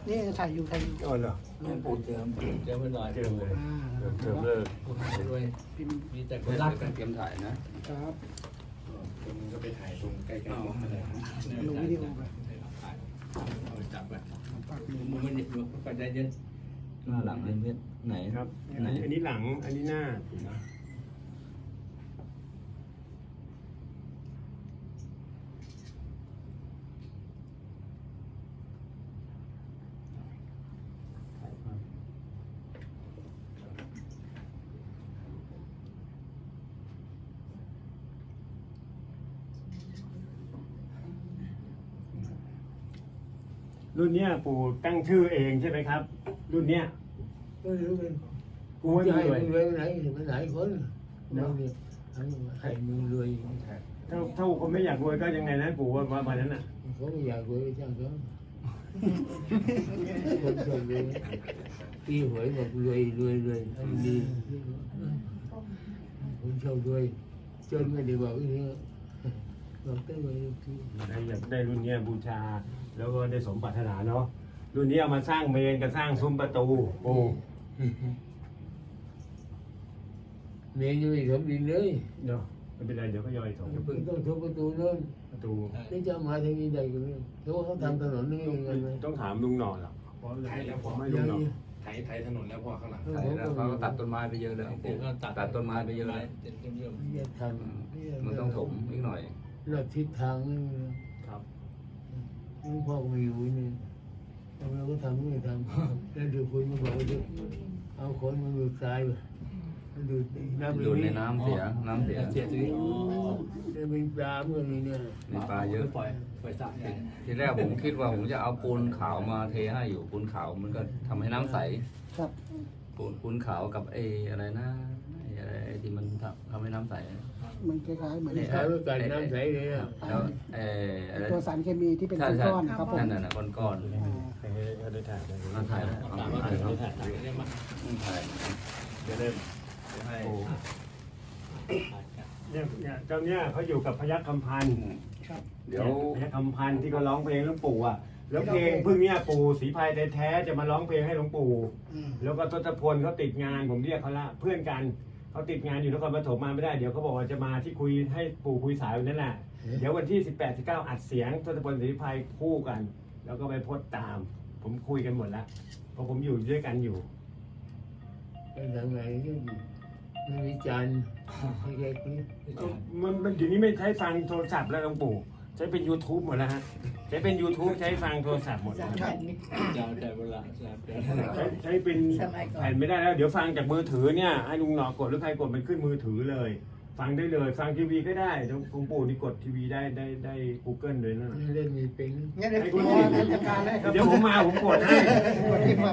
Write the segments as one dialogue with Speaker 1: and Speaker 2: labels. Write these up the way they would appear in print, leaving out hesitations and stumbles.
Speaker 1: นี่ถ่ายอยู่
Speaker 2: อ๋อเหรอ
Speaker 3: หลวงปู่เจิมไว้หน่อย
Speaker 2: เจิมเลยเจิมเลิก
Speaker 3: คุณด้วยมีแต่คนรักกันเตรียมถ่ายนะครับ
Speaker 4: คุณก็ไปถ่ายตรงใกล้ๆมองอะไรนะ
Speaker 1: ลงวิดีโอไป
Speaker 3: เอาจับไปมึงไม่ได้ดูไปได้เยอะหน้าหลังเพื่อนไหน
Speaker 2: ครับ
Speaker 3: ไหน
Speaker 2: อันนี้หลังอันนี้หน้ารุ่นเนี้ยปู่ตั้งชื่อเองใช่ไหมครับ รุ่นเนี้ย
Speaker 5: ไม่รู้เป็น
Speaker 2: กูไม่
Speaker 5: จะ
Speaker 2: มี
Speaker 5: ให้
Speaker 2: เลย
Speaker 5: มึงรวยไปไหนไปไหนคนเราเนี่ยให้มึงรวย
Speaker 2: ถ้าคนไม่อยากรวยก็ยังไงนะปู่ว่าวันนั้นน่ะ
Speaker 5: เขาไม่อยากรวยก็ช่างเขาคนชอบรวยตีหวยบอกรวยให้ดีคนชอบรวยจนไม่ได้บอกอย่างนี้บอกได้รวยที่
Speaker 2: อยากได้รุ่นเนี้ยบูชา แล้วก็ได้สมปรารถนาเนาะรุ่นนี้เอามาสร้างเมนกับสร้างซุ้มประตูปู่
Speaker 5: เมียยังไม่ทำดินเลย
Speaker 2: เนาะไม่เป็นไรเดี๋ยวก็ย่อยถม
Speaker 5: ไม่ต้องทุบประตูนั่น
Speaker 2: ประตู
Speaker 5: นี่จะมาทางนี้ได้กันเลยเขาทำถนนนี่ยังไงไหม
Speaker 2: ต้องถามลุงหน่อยหรอกเพราะ
Speaker 4: ถ่ายแล้วพอ
Speaker 2: ไม่ลุงหน่อย
Speaker 4: ถ่ายถนนแล้วพอข้างหลัง
Speaker 3: ถ่ายแล้วเขาก็ตัดต้นไม้ไปเยอะเลยตัดต้นไม้ไปเยอะเลย
Speaker 5: จะทำ
Speaker 3: มันต้องถมอีกหน่อย
Speaker 5: เราทิศทางนี่
Speaker 2: ครับ
Speaker 5: หลวงพ่อไม่อยู่นี่เราก็ทำไม่ทำแล้วเดี๋ยวคุณมาบอกว่าจะเอาคนมาดูดทรายไปดูดน้ำ
Speaker 3: ดูดในน้ำเสียทีนี้
Speaker 5: จะมีปลาเมื่อนี้เนี่ย
Speaker 3: มีปลาเยอะ
Speaker 1: ปล่อยสระ
Speaker 3: ทีแรกผมคิดว่าผมจะเอาปูนขาวมาเทให้อยู่ปูนขาวมันก็ทำให้น้ำใส
Speaker 1: ครับ
Speaker 3: ปูนขาวกับไอ้อะไรนะไอ้ที่มันทำให้น้ำใส
Speaker 1: มันคล้ายๆเหมือน
Speaker 5: ใช้ไว้กันน้ำใสเลยอ่ะ
Speaker 3: แล้วอะไร
Speaker 1: ตัวสารเคมีที่เป็นก้อนๆครับผม
Speaker 3: นั่นน่ะก้อน
Speaker 2: ให้เขาได้ถ่ายได้
Speaker 3: ๆน่าถ่ายแล้วถ่ายแล้วถ่ายจะได้ให้
Speaker 2: เนี่ยเจ้าเนี่ยเขาอยู่กับพยัคฆ์คำพันธ์
Speaker 1: ครับ
Speaker 3: เดี๋ยว
Speaker 2: พยัคฆ์คำพันธ์ที่เขาร้องเพลงหลวงปู่อ่ะแล้วเพลงเพิ่งเนี้ยปู่ศรีพายแท้ๆจะมาร้องเพลงให้หลวงปู่ แล้วก็ทศพลเขาติดงานผมเรียกเขาละเพื่อนกันเขาติดงานอยู่นครปฐมมาไม่ได้เดี๋ยวเขาบอกว่าจะมาที่คุยให้ปู่คุยสายวันนั้นแหละเดี๋ยววันที่ 18-19 อัดเสียงทศพลศรีพายคู่กัน แล้วก็ไปโพสต์ตาม ผมคุยกันหมดแล้วเพราะผมอยู่ด้วยกันอยู่
Speaker 5: เป็นยังไงก็ไม่มีจานให้แกกิน
Speaker 2: มันเดี๋ยวนี้ไม่ใช้ฟังโทรศัพท์แล้วหลวงปู่ใช้เป็น YouTube หมดแล้วฮะใช้เป็น YouTube ใช้ฟังโทรศัพท์หมดแล้ว
Speaker 1: ครับ
Speaker 2: ใช้เป็นแผ่นไม่ได้แล้ว เดี๋ยวฟังจากมือถือเนี่ยให้ลุงหนอกดหรือใครกดมันขึ้นมือถือเลย ฟังได้เลยฟังทีวีก็ได้หลวงปู่นี่กดทีวีได้ Google เลยนะ
Speaker 5: เล่นมีเป็น
Speaker 1: งั้นเดี๋ยวผมจัดการให้ครับ
Speaker 2: เดี๋ยวผมมาผมกดให้
Speaker 1: กดให้ฟัง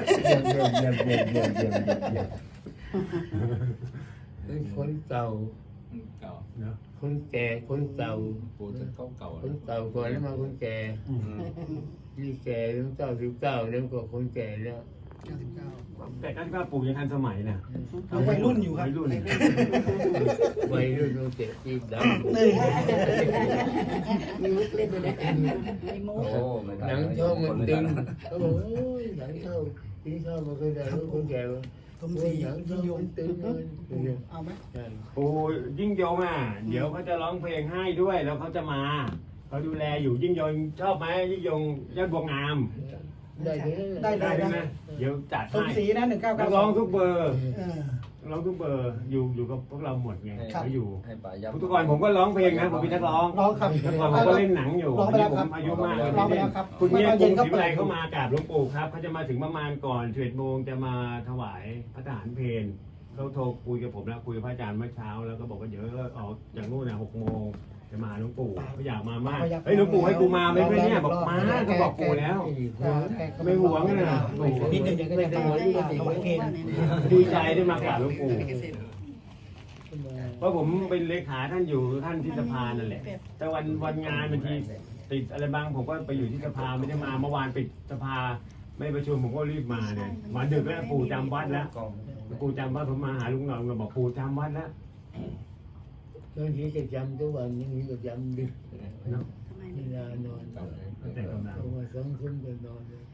Speaker 5: เป็นคนเก่า
Speaker 3: เก่า
Speaker 2: เนาะ
Speaker 5: คนแก่คนเก่า
Speaker 3: ปูจะเก่า
Speaker 5: คนเก่าก่อนแล้วมาคนแก่นี่แก่ตั้ง99แล้วก็คนแก่แล้ว
Speaker 2: แต่ก็ว่าปู่ยังทันสมัยนะ
Speaker 1: เอาวัยรุ่นอยู่ครับ
Speaker 2: วัยรุ่น
Speaker 5: วัยรุ่นต้องเตะตีด
Speaker 1: นี่
Speaker 6: มีมุกเล่นด้วยนะมีมุก
Speaker 3: โอ้ไม่
Speaker 5: ำหนังช่องมันดึงเขาบอกโอ้ยหนังช่องกินข้าวมาเคยได้รู้คนแก่
Speaker 1: สมศรี
Speaker 5: หนังช่
Speaker 1: ยิ่
Speaker 5: อง
Speaker 1: งยง
Speaker 5: มันตึงเลย
Speaker 1: เอาไหม
Speaker 2: ปู่ยิ่งยงอ่ะเดี๋ยวเขาจะร้องเพลงให้ด้วยแล้วเขาจะมาเขาดูแลอยู่ยิ่งยงชอบไหมยิ่งยงยอดบัวงาม
Speaker 5: ได้ไหม
Speaker 2: ได้ไหมเดี๋ยวจัด
Speaker 1: สม
Speaker 2: ให้
Speaker 1: ศรีนะ
Speaker 2: นักร้องทุกเบอร์
Speaker 1: 1992
Speaker 2: ร้องทุกเบอร์อยู่กับพวกเราหมดไง
Speaker 1: ครับ
Speaker 2: เขาอยู่
Speaker 3: ให้ป่ายับ
Speaker 2: ทุกวันผมก็ร้องเพลงนะผมเป็นนักร้อง
Speaker 1: ร้องครับ
Speaker 2: แต่ก่อนผมก็เล่นหนังอยู่
Speaker 1: ร้องไปแล้วครับ
Speaker 2: ผมอายุมาก
Speaker 1: ร้องไปแล้วครับ
Speaker 2: คุณเนี่ย
Speaker 1: เย็
Speaker 2: กรุ
Speaker 1: น
Speaker 2: ง
Speaker 1: ก็
Speaker 2: ศรี
Speaker 1: เปิ
Speaker 2: วิไล
Speaker 1: ด
Speaker 2: เข้ามากราบหลวงปู่ครับเขาจะมาถึงประมาณก่อน11 โมงจะมาถวายพระทหารเพลเขาโทรคุยกับผมแล้วคุยกับพระอาจารย์เมื่อเช้าแล้วก็บอกว่าเดี๋ยวออกจากนู่นนะ6 โมงจะมาหลวงปู่เขาอยากมามากเฮ้ยหลวงปู่ให้กูมาไหมเนี่ยบอกมาก็บอกปู่แล้ว ไม่หวงนะ
Speaker 1: นิดนึงเดี๋ยวก็จะถวายเพลง
Speaker 2: ดีใจได้มากราบหลวงปู่เพราะผมเป็นเลขาท่านอยู่ท่านที่สภานั่นแหละ แต่วันงานบางทีติดอะไรบ้างผมก็ไปอยู่ที่สภาไม่ได้มาเมื่อวานปิดสภาไม่ประชุมผมก็รีบมาเนี่ยมาดึกแล้วปู่จำวัดแล้วปู่จำวัดผมมาหาลุงหน่อยก็บอกปู่จำวัดแล้ว
Speaker 5: บางทีก็จำทุกวันบางทีก็จำดึก
Speaker 2: เนาะ
Speaker 5: เวลานอน
Speaker 2: แต่กำลัง
Speaker 5: เอามา2 ทุ่มก็นอนเลย